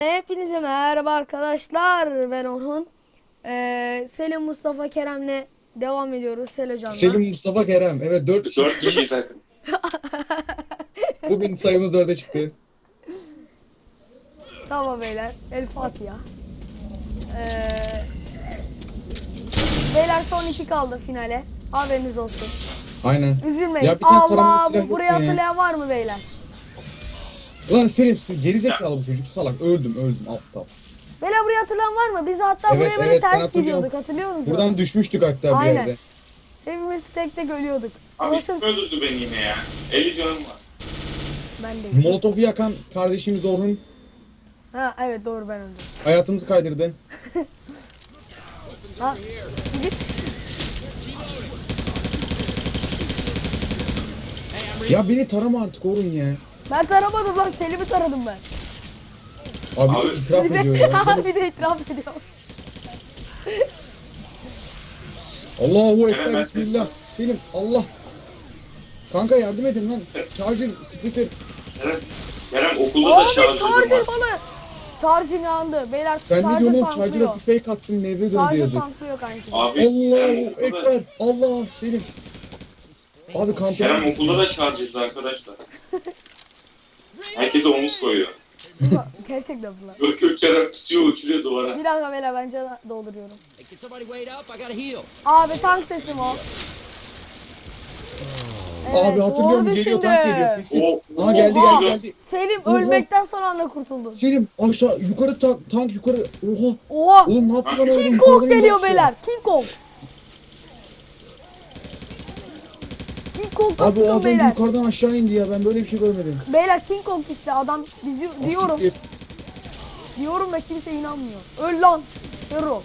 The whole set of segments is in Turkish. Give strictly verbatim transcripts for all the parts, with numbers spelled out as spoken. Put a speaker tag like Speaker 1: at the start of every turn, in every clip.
Speaker 1: Hepinize merhaba arkadaşlar. Ben Orhun. Ee, Selim, Mustafa, Kerem'le devam ediyoruz. Selo Can'la.
Speaker 2: Selim, Mustafa, Kerem. Evet, dört kişi.
Speaker 3: Dört kişi zaten.
Speaker 2: Bugün sayımız dörde çıktı.
Speaker 1: Tamam beyler. El Fatiha. Ee, beyler son iki kaldı finale. Haberiniz olsun.
Speaker 2: Aynen.
Speaker 1: Üzülmeyin.
Speaker 2: Ya bir tane taramalı
Speaker 1: Allah,
Speaker 2: silah
Speaker 1: bu
Speaker 2: yok
Speaker 1: burayı
Speaker 2: mu ya?
Speaker 1: hatırlayan var mı beyler?
Speaker 2: Ulan Selim, gerizekalı bu çocuk, salak. Öldüm, öldüm, aptal.
Speaker 1: Beyler burayı hatırlayan var mı? Biz hatta
Speaker 2: Evet,
Speaker 1: buraya böyle
Speaker 2: evet, ben
Speaker 1: ters
Speaker 2: hatırlıyorum.
Speaker 1: gidiyorduk. Hatırlıyor musunuz?
Speaker 2: Buradan düşmüştük hatta bir
Speaker 1: Aynen.
Speaker 2: yerde.
Speaker 1: Hepimiz tek tek ölüyorduk.
Speaker 3: Abi
Speaker 1: Olsun.
Speaker 3: kim öldürdü beni yine ya? elli canım var.
Speaker 1: Ben de.
Speaker 2: Molotof'u yakan kardeşimiz Orhun
Speaker 1: Ha evet, doğru, ben öldüm.
Speaker 2: hayatımızı kaydırdı.
Speaker 1: Ha. Git.
Speaker 2: Ya beni tarama artık Orhun ya.
Speaker 1: Ben taramadım lan, Selim'i taradım ben.
Speaker 2: Abi,
Speaker 3: Abi,
Speaker 2: itiraf
Speaker 1: Bir de,
Speaker 2: ediyor ya.
Speaker 1: bir de itiraf ediyor.
Speaker 2: Allahu
Speaker 3: Evet,
Speaker 2: Ekber,
Speaker 3: ben-
Speaker 2: Bismillah. Selim, Allah. Kanka yardım edin lan. Charger, splitter.
Speaker 3: Kerem, Kerem okulda da
Speaker 1: Abi
Speaker 3: şarjörüm
Speaker 1: charger
Speaker 3: var.
Speaker 1: bana. Charger yandı. Beyler
Speaker 2: Sen ne
Speaker 1: charger
Speaker 2: diyorsun oğlum? Charger'a
Speaker 1: tanklıyor.
Speaker 2: bir fake attın, nevre döndü
Speaker 1: Charger
Speaker 2: yazık.
Speaker 1: tanklıyor kanki.
Speaker 3: Abi Kerem
Speaker 2: Allahu
Speaker 3: okulda,
Speaker 2: Ekber. Allah Selim. Abi
Speaker 3: Kerem
Speaker 2: kanka.
Speaker 3: okulda da şarjörlü arkadaşlar. Herkese omuz koyuyor.
Speaker 1: Gerçekten bu lan.
Speaker 3: Yok yok Kerem tutuyor uçuruyor duvara.
Speaker 1: Bir dakika beyler, ben can dolduruyorum.
Speaker 4: Hey, can somebody wait up? I gotta heal.
Speaker 1: Abi tank sesim o. Evet,
Speaker 2: Abi hatırlıyorum,
Speaker 1: doğru
Speaker 2: geliyor,
Speaker 1: düşündü.
Speaker 2: tank geliyor kesin.
Speaker 3: Oo,
Speaker 2: Aa geldi
Speaker 1: Oha!
Speaker 2: geldi geldi.
Speaker 1: Selim
Speaker 2: Oha!
Speaker 1: ölmekten son anda kurtuldu.
Speaker 2: Selim aşağı yukarı tank, tank yukarı. Oha.
Speaker 1: Oha!
Speaker 2: Oğlum ne yaptı lan oğlum?
Speaker 1: King Kong
Speaker 2: Yukarıdan
Speaker 1: geliyor
Speaker 2: indi aşağı.
Speaker 1: beyler. King Kong. King Kong
Speaker 2: Abi o
Speaker 1: kasıyor
Speaker 2: adam
Speaker 1: beyler.
Speaker 2: yukarıdan aşağı indi ya, ben böyle bir şey görmedim.
Speaker 1: Beyler King Kong işte adam, dizi- diyorum.
Speaker 2: Siktir.
Speaker 1: Diyorum da kimse inanmıyor. Öl lan. Hero.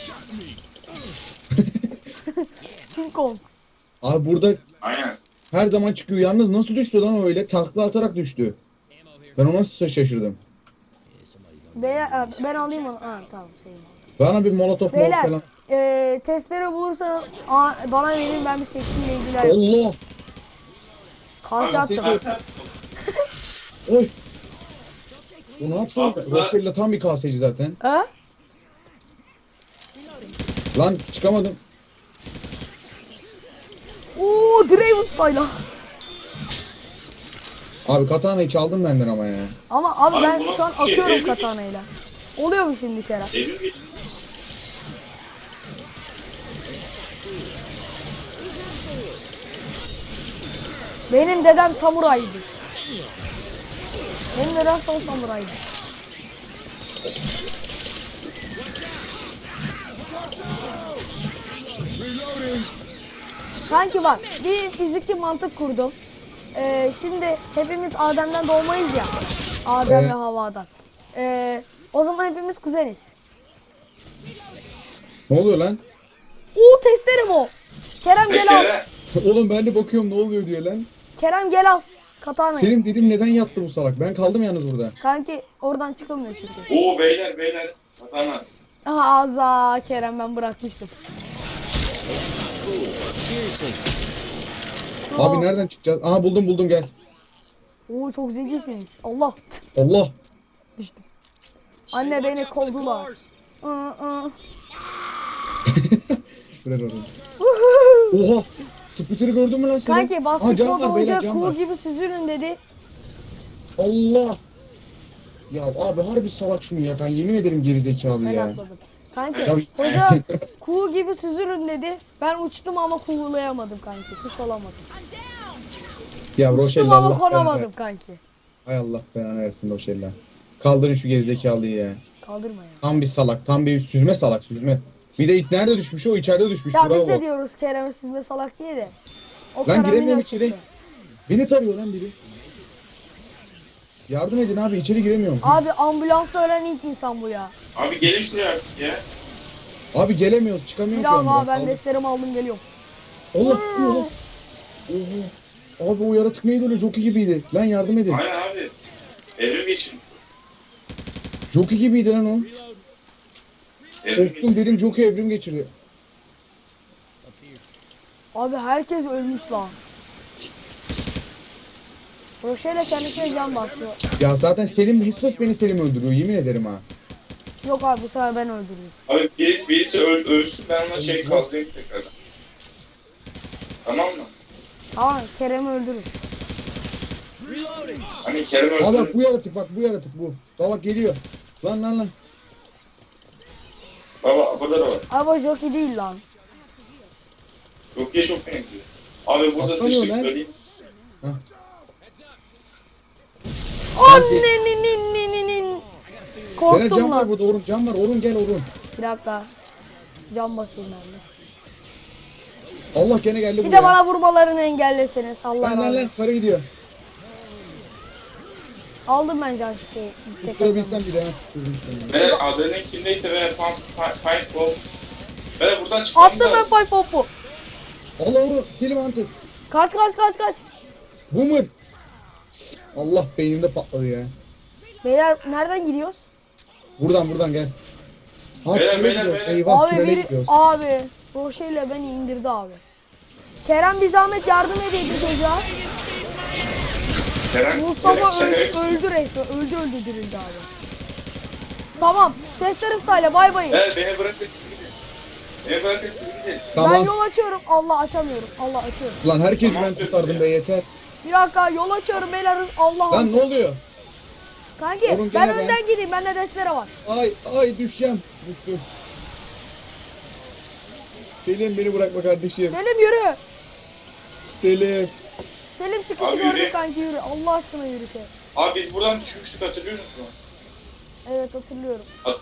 Speaker 1: King Kong.
Speaker 2: Abi burada
Speaker 3: aynen.
Speaker 2: her zaman çıkıyor. Yalnız nasıl düştü lan öyle? Takla atarak düştü. Ben ona nasıl şaşırdım.
Speaker 1: Beyler ha, ben alayım onu. Ha tamam, Selim aldı.
Speaker 2: Bana bir molotof molotof
Speaker 1: Beyler
Speaker 2: falan.
Speaker 1: e, testere bulursanız aa, bana verin, ben bir seksiyle ilgiler.
Speaker 2: Allah.
Speaker 1: Karşı
Speaker 3: Abi,
Speaker 1: attım.
Speaker 3: sen-
Speaker 2: Oy. Bu ne yaptı? Rosella tam bir kaseci zaten.
Speaker 1: Ha?
Speaker 2: Lan çıkamadım.
Speaker 1: Oo, Draven Style'a.
Speaker 2: Abi katanayı çaldın benden ama ya.
Speaker 1: Ama abi,
Speaker 3: Abi,
Speaker 1: ben
Speaker 3: bu
Speaker 1: şu an
Speaker 3: nasıl bir şey?
Speaker 1: akıyorum
Speaker 3: Evrim-
Speaker 1: katanayla. Oluyor mu şimdi Kerem?
Speaker 3: Evrim geç.
Speaker 1: Benim dedem samuraydı. Benim dedem son samuraydı. Sanki bak, bir fiziki mantık kurdum. Ee, şimdi hepimiz Adem'den doğmayız ya. Adem
Speaker 2: Evet.
Speaker 1: ve Havva'dan. Ee, o zaman hepimiz kuzeniz.
Speaker 2: Ne oluyor lan?
Speaker 1: Uuu, testerim o. Kerem gel al.
Speaker 3: Kerem.
Speaker 2: Oğlum ben de bakıyorum ne oluyor diye lan.
Speaker 1: Kerem gel al. Katanayı.
Speaker 2: Selim dedim neden yattı bu salak? Ben kaldım yalnız burada.
Speaker 1: Kanki oradan çıkılmıyor çünkü.
Speaker 3: Oo beyler beyler. Katana.
Speaker 1: Aha aza Kerem, ben bırakmıştım.
Speaker 4: Seriously.
Speaker 2: Abi nereden çıkacağız? Aha buldum buldum gel.
Speaker 1: Oo, çok zekisiniz. Allah.
Speaker 2: Allah.
Speaker 1: Düştüm. Anne beni kovdular. Iı, ıı.
Speaker 2: Ver orayı. Oha. Spitter'ı gördün mü lan sen?
Speaker 1: Kanki
Speaker 2: Aha,
Speaker 1: basketbol
Speaker 2: can var, beyler,
Speaker 1: hoca
Speaker 2: can
Speaker 1: kuğu
Speaker 2: var.
Speaker 1: gibi süzülün dedi.
Speaker 2: Allah. Ya abi harbi salak şunu ya, ben yemin ederim gerizekalı
Speaker 1: Ben
Speaker 2: ya.
Speaker 1: atladım. Kanki
Speaker 2: Ya-
Speaker 1: hoca kuğu gibi süzülün dedi. Ben uçtum ama kuğulayamadım kanki. Kuş olamadım.
Speaker 2: Ya
Speaker 1: Uçtum
Speaker 2: Roşella
Speaker 1: ama
Speaker 2: Allah belanı
Speaker 1: konamadım
Speaker 2: versin.
Speaker 1: kanki.
Speaker 2: Hay Allah belanı versin Roşella. Kaldırın şu gerizekalıyı ya.
Speaker 1: Kaldırma ya.
Speaker 2: Tam bir salak, tam bir süzme salak, süzme. Bir de it nerede düşmüş? O içeride düşmüş.
Speaker 1: Ya
Speaker 2: Bravo.
Speaker 1: biz de diyoruz Kerem'e süzme salak diye de. O
Speaker 2: Lan
Speaker 1: karamina
Speaker 2: giremiyorum
Speaker 1: çıktı.
Speaker 2: içeri. Beni tarıyor lan biri. Yardım edin abi, içeri giremiyorum.
Speaker 1: Abi ambulansta ölen ilk insan bu ya.
Speaker 3: Abi gelin şuraya artık ya.
Speaker 2: Abi gelemiyoruz, çıkamıyorum
Speaker 1: Bir
Speaker 2: ki
Speaker 1: daha
Speaker 2: ben.
Speaker 1: ben desterimi aldım, geliyorum.
Speaker 2: Allah Allah. Oha. Abi o yaratık neydi öyle, Jockey gibiydi. Lan yardım edin.
Speaker 3: Aynen abi. Evrim geçin.
Speaker 2: Jockey gibiydi lan o.
Speaker 3: Evrim
Speaker 2: Korktum dedim, Jockey evrim geçirdi.
Speaker 1: Abi herkes ölmüş lan. Roşe'yle kendisine can bastı.
Speaker 2: Ya zaten Selim sırf beni Selim öldürüyor yemin ederim ha.
Speaker 1: Yok abi bu sefer ben öldürdüm.
Speaker 3: Abi birisi, birisi öl, ölsün ben ona şey kaldırayım tekrardan. Tamam mı?
Speaker 1: Tamam Kerem'i öldürür.
Speaker 3: Hani Kerem
Speaker 2: Aa bak
Speaker 3: öldü.
Speaker 2: bu yaratık bak bu yaratık bu. Bak bak geliyor. Lan lan lan.
Speaker 3: Baba burada da var.
Speaker 1: Ama jockey değil lan.
Speaker 3: Çok iyi çok benziyor. Abi burada
Speaker 2: Atlamıyor
Speaker 3: sıçtık
Speaker 2: lan.
Speaker 3: söyleyeyim.
Speaker 1: Anneninin.
Speaker 2: Gene
Speaker 1: Korktum
Speaker 2: cam var
Speaker 1: lan.
Speaker 2: burada Orun cam var Orun gel Orun.
Speaker 1: Bir dakika. Can basayım ben de.
Speaker 2: Allah gene geldi
Speaker 1: Bir
Speaker 2: buraya.
Speaker 1: de bana vurmalarını engelleseniz. Allah
Speaker 2: Lan lan
Speaker 1: razı
Speaker 2: lan
Speaker 1: olsun.
Speaker 2: sarı gidiyor.
Speaker 1: Aldım ben can şeyi. tek
Speaker 2: Tutturabilsem bir de hemen tutturdum seni.
Speaker 3: Ben adının kimdeyse ben pump pipe ball. Ben buradan çıkmamız
Speaker 1: Attım ben
Speaker 3: lazım.
Speaker 1: pay popu.
Speaker 2: Allah Orun Selim Antep.
Speaker 1: Kaç kaç kaç kaç.
Speaker 2: Boomer. Allah beynimde patladı ya.
Speaker 1: Beyler nereden gidiyoruz?
Speaker 2: Buradan buradan gel. Ha,
Speaker 3: Beyler,
Speaker 2: tünele
Speaker 3: beyler,
Speaker 2: gidiyoruz.
Speaker 3: beyler.
Speaker 2: Eyvah
Speaker 1: Abi
Speaker 2: tünele
Speaker 1: biri
Speaker 2: gidiyoruz.
Speaker 1: abi Roşe ile beni indirdi abi. Kerem bir zahmet yardım edeydi çocuğa.
Speaker 3: Kerem,
Speaker 1: Mustafa
Speaker 3: Kerem,
Speaker 1: öldü,
Speaker 3: Kerem.
Speaker 1: öldü resmen. Öldü öldü dirildi abi. Tamam. Testere style bay bay.
Speaker 3: Evet beni bırakın siz gidin. Beni bırakın siz gidin.
Speaker 1: Ben
Speaker 2: Tamam.
Speaker 1: yol açıyorum. Allah açamıyorum. Allah açıyorum.
Speaker 2: Lan herkesi
Speaker 3: Tamam,
Speaker 2: ben tutardım be yeter.
Speaker 1: Bir dakika yol açıyorum beyler. Allah
Speaker 2: Lan ne oluyor?
Speaker 1: Kanki
Speaker 2: Oğlum
Speaker 1: ben
Speaker 2: gene ben.
Speaker 1: önden gideyim. Bende destere var.
Speaker 2: Ay ay düşeceğim. Düştüm. Selim beni bırakma kardeşim.
Speaker 1: Selim yürü.
Speaker 2: Selim.
Speaker 1: Selim çıkışı
Speaker 3: Abi
Speaker 1: gördük
Speaker 3: yürü.
Speaker 1: kanki yürü. Allah aşkına yürü ki.
Speaker 3: Abi biz buradan düşmüştük hatırlıyor musun?
Speaker 1: Evet hatırlıyorum.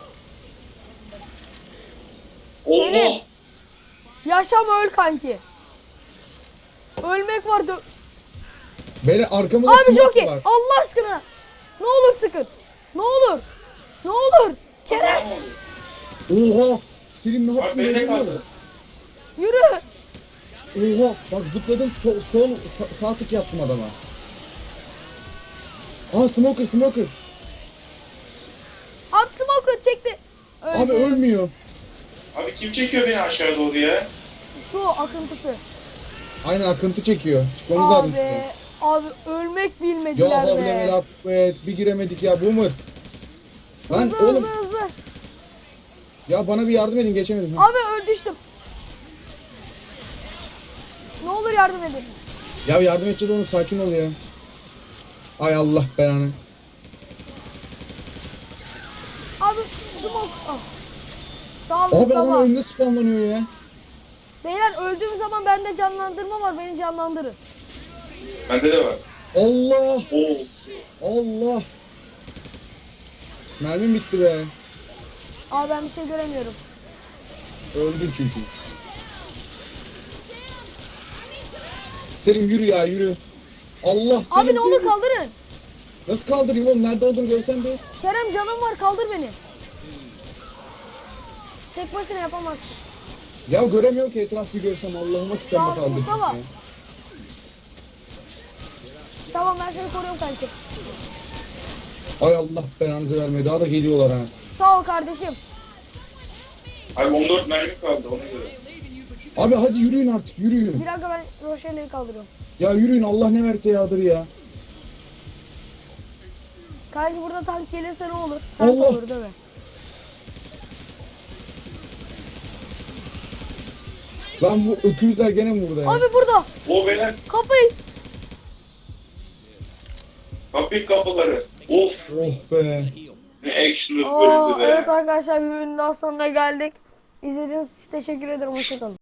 Speaker 3: Allah!
Speaker 1: Yaşam öl kanki. Ölmek var. Dö-
Speaker 2: Beni arkamda
Speaker 1: Abi
Speaker 2: smoke
Speaker 1: çok iyi.
Speaker 2: var.
Speaker 1: Allah aşkına. Ne olur sıkın. Ne olur. Ne olur. Kerem
Speaker 3: Tamam oldu.
Speaker 2: Oha. Selim ne
Speaker 3: Abi
Speaker 2: yaptın?
Speaker 3: beni
Speaker 2: Öyle mi?
Speaker 3: kaldı.
Speaker 1: yürü.
Speaker 2: Oha. Bak zıpladım sol, sol sa- sağ tık yaptım adama. Aa smoker smoker.
Speaker 1: Abi smoker çekti. Öldü.
Speaker 2: Abi ölmüyor.
Speaker 3: Abi kim çekiyor beni aşağı doğru ya?
Speaker 1: Su akıntısı.
Speaker 2: Aynen akıntı çekiyor. Çıkmamız lazım
Speaker 1: Abi.
Speaker 2: şuradan.
Speaker 1: Abi ölmek
Speaker 2: Ya
Speaker 1: bilmediler
Speaker 2: havle
Speaker 1: be.
Speaker 2: vel akbet. Bir giremedik ya boomer. Lan
Speaker 1: Hızlı
Speaker 2: oğlum
Speaker 1: hızlı hızlı.
Speaker 2: ya bana bir yardım edin geçemedim.
Speaker 1: Abi öl düştüm. Ne olur yardım edin.
Speaker 2: Ya yardım edeceğiz onu sakin ol ya. Ay Allah belanı.
Speaker 1: Abi smoke. Ah. Sağ ol
Speaker 2: Abi adam
Speaker 1: Mustafa.
Speaker 2: önünde spamlanıyor ya.
Speaker 1: Beyler öldüğüm zaman bende canlandırma var. Beni canlandırın.
Speaker 3: Bende de var.
Speaker 2: Allah
Speaker 3: Oo.
Speaker 2: Allah. Mermim bitti be.
Speaker 1: Abi ben bir şey göremiyorum.
Speaker 2: Öldün çünkü. Selim yürü ya yürü. Allah
Speaker 1: Abi
Speaker 2: Selim,
Speaker 1: ne olur
Speaker 2: Selim.
Speaker 1: kaldırın.
Speaker 2: Nasıl kaldırayım oğlum nerede olduğunu görsen bir.
Speaker 1: Kerem canım var kaldır beni. Tek başına yapamazsın.
Speaker 2: Ya göremiyorum ki etrafı görsem Allah'ıma
Speaker 1: Sağ
Speaker 2: kitabımı
Speaker 1: ol,
Speaker 2: kaldırdım.
Speaker 1: Mustafa.
Speaker 2: ya.
Speaker 1: Tamam ben seni koruyorum kanki.
Speaker 2: Ay Allah belanızı vermeye daha da geliyorlar ha.
Speaker 1: Sağ ol kardeşim.
Speaker 3: Abi on dört mermi kaldı ona göre.
Speaker 2: Abi hadi yürüyün artık yürüyün.
Speaker 1: Bir dakika ben Roşe'leri kaldırıyorum.
Speaker 2: Ya yürüyün Allah ne verse yağdır ya.
Speaker 1: Kanki burada tank gelirse ne olur? Tank
Speaker 2: Allah.
Speaker 1: olur değil mi?
Speaker 2: Lan bu öküzler gene mi burada ya?
Speaker 1: Abi burada.
Speaker 3: O beyler
Speaker 1: Kapıyı.
Speaker 3: kapı kapıları. Of
Speaker 2: Oh be.
Speaker 3: ne action'lı
Speaker 1: Aa,
Speaker 3: bölümdü be.
Speaker 1: evet arkadaşlar bir bölümün daha sonuna geldik. İzlediğiniz için teşekkür ederim. Hoşçakalın.